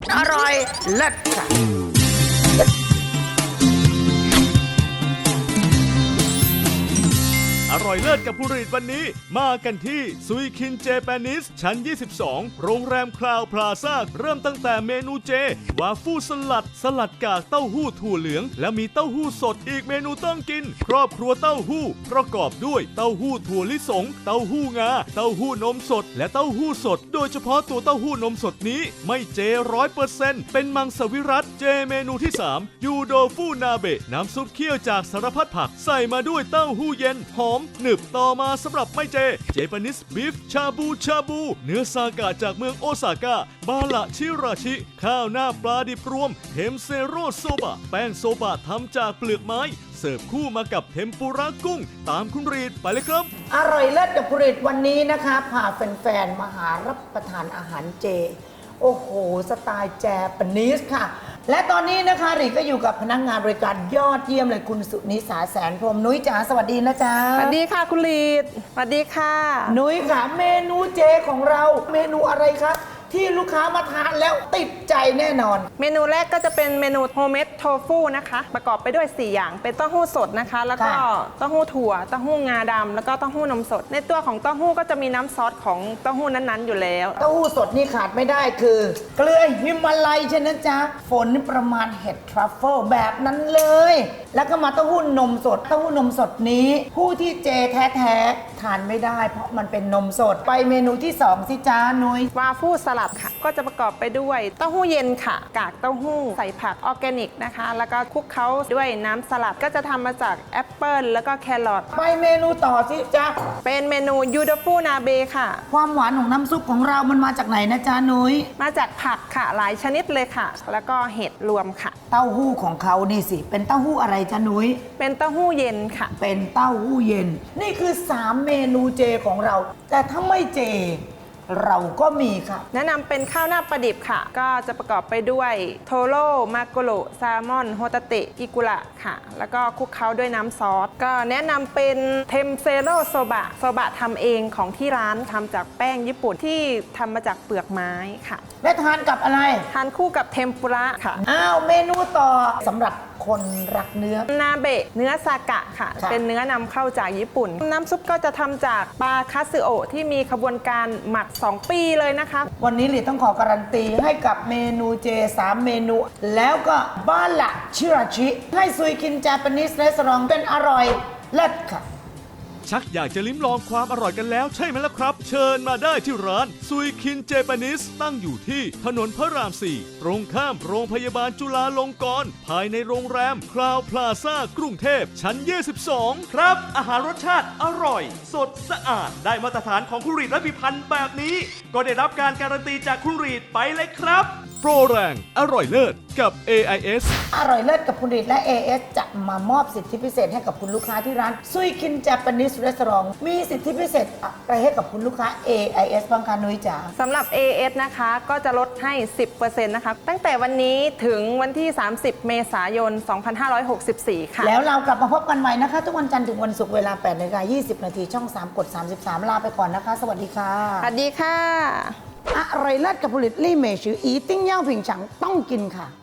อร่อยเลิศค่ะอร่อยเลิศกับผู้รีดวันนี้มากันที่ซุยคินเจแปนิสชั้น 22 โรงแรมคลาวพลาซ่าเริ่มตั้งแต่เมนูเจวาฟูสลัดกากเต้าหู้ถั่วเหลืองและมีเต้าหู้สดอีกเมนูต้องกินครอบครัวเต้าหู้ประกอบด้วยเต้าหู้ถั่วลิสงเต้าหู้งาเต้าหู้นมสดและเต้าหู้สดโดยเฉพาะตัวเต้าหู้นมสดนี้ไม่เจ100%เป็นมังสวิรัติเจเมนูที่3ยูโดฟูนาเบะน้ำซุปเคี่ยวจากสารพัดผักใส่มาด้วยเต้าหู้เย็นหอมหนึบต่อมาสำหรับไม่เจแปนิสบีฟชาบูเนื้อซากะจากเมืองโอซาก้าบาละชิราชิข้าวหน้าปลาดิบรวมเทมเซโรโซบะแป้งโซบะทำจากเปลือกไม้เสิร์ฟคู่มากับเทมปุระกุ้งตามคุณรีดไปเลยครับอร่อยเลิศกับผลิตวันนี้นะคะพาแฟนๆมาหารับประทานอาหารเจโอ้โหสไตล์แจแปนิสค่ะและตอนนี้นะคะรีก็อยู่กับพนักงานบริการยอดเยี่ยมเลยคุณสุนิสาแสนพรหมนุ้ยจ๋าสวัสดีนะจ๊ะสวัสดีค่ะคุณลีดสวัสดีค่ะนุ้ยค่ะเมนูเจของเราเมนูอะไรคะที่ลูกค้ามาทานแล้วติดใจแน่นอนเมนูแรกก็จะเป็นเมนูโฮมเมดโทฟูนะคะประกอบไปด้วย4อย่างเป็นเต้าหู้สดนะคะแล้วก็เต้าหู้ถั่วเต้าหู้งาดำแล้วก็เต้าหู้นมสดในตัวของเต้าหู้ก็จะมีน้ำซอสของเต้าหู้นั้นๆอยู่แล้วเต้าหู้สดนี่ขาดไม่ได้คือเกลือฮิมาลัยใช่ไหมจ๊ะฝนประมาณเห็ดทรัฟเฟิลแบบนั้นเลยแล้วก็มาเต้าหู้นมสดเต้าหู้นมสดนี้ผู้ที่เจแท้ๆทานไม่ได้เพราะมันเป็นนมสดไปเมนูที่2สิจ้านุ้ยวาฟูสลัดค่ะก็จะประกอบไปด้วยเต้าหู้เย็นค่ะกากเต้าหู้ใส่ผักออร์แกนิกนะคะแล้วก็คลุกเคล้าด้วยน้ำสลัดก็จะทำมาจากแอปเปิลแล้วก็แครอทไปเมนูต่อสิจ้าเป็นเมนูยูโดฟูนาเบค่ะความหวานของน้ำซุปของเรามันมาจากไหนนะจ๊ะนุ้ยมาจากผักค่ะหลายชนิดเลยค่ะแล้วก็เห็ดรวมค่ะเต้าหู้ของเขานี่สิเป็นเต้าหู้อะไรจ๊ะนุ้ยเป็นเต้าหู้เย็นค่ะเป็นเต้าหู้เย็นนี่คือ3เมนูเจของเราแต่ถ้าไม่เจเราก็มีค่ะแนะนำเป็นข้าวหน้าปลาดิบค่ะก็จะประกอบไปด้วยโทโร่มาโกโรแซลมอนโฮตาเตะอิกุระค่ะแล้วก็คลุกเคล้าด้วยน้ำซอสก็แนะนำเป็นเทมเซโรโซบะทำเองของที่ร้านทำจากแป้งญี่ปุ่นที่ทำมาจากเปลือกไม้ค่ะและทานกับอะไรทานคู่กับเทมปุระค่ะอ้าวเมนูต่อสำหรับคนรักเนื้อนาเบะเนื้อซากะค่ะเป็นเนื้อนำเข้าจากญี่ปุ่นน้ำซุปก็จะทำจากปลาคาสึโอะที่มีขบวนการหมัก2 ปีเลยนะคะวันนี้หลีต้องขอการันตีให้กับเมนูเจ3เมนูแล้วก็บ้านละชิราชิให้ซุยคินจาปนิสเรสอร์ทเป็นอร่อยเลิศค่ะชักอยากจะลิ้มลองความอร่อยกันแล้วใช่ไหมล่ะครับเชิญมาได้ที่ร้านซุยคินเจแปนิสตั้งอยู่ที่ถนนพระราม 4ตรงข้ามโรงพยาบาลจุฬาลงกรณ์ภายในโรงแรมคลาวพลาซ่ากรุงเทพชั้น 22 ครับอาหารรสชาติอร่อยสดสะอาดได้มาตรฐานของคุณรีดและพิพันธ์แบบนี้ก็ได้รับการการันตีจากคุณรีดไปเลยครับโปรแรงอร่อยเลิศกับ AIS อร่อยเลิศกับคุณรีดและ AIS จะมามอบสิทธิพิเศษให้กับคุณลูกค้าที่ร้านซุยคินจาปนิสเรสอร์ทมีสิทธิพิเศษอะไรให้กับคุณลูกค้า AIS บ้างคะนุ้ยจ๋าสำหรับ AIS นะคะก็จะลดให้ 10% นะคะตั้งแต่วันนี้ถึงวันที่30เมษายน2564ค่ะแล้วเรากลับมาพบกันใหม่นะคะทุกวันจันทร์ถึงวันศุกร์เวลา 8:20 น.ช่อง3กด33ลาไปก่อนนะคะสวัสดีค่ะสวัสดีค่ะอร่อยเลิศกับผลิตลี่เมชืออีติ้งเย่าผิงฉังต้องกินค่ะ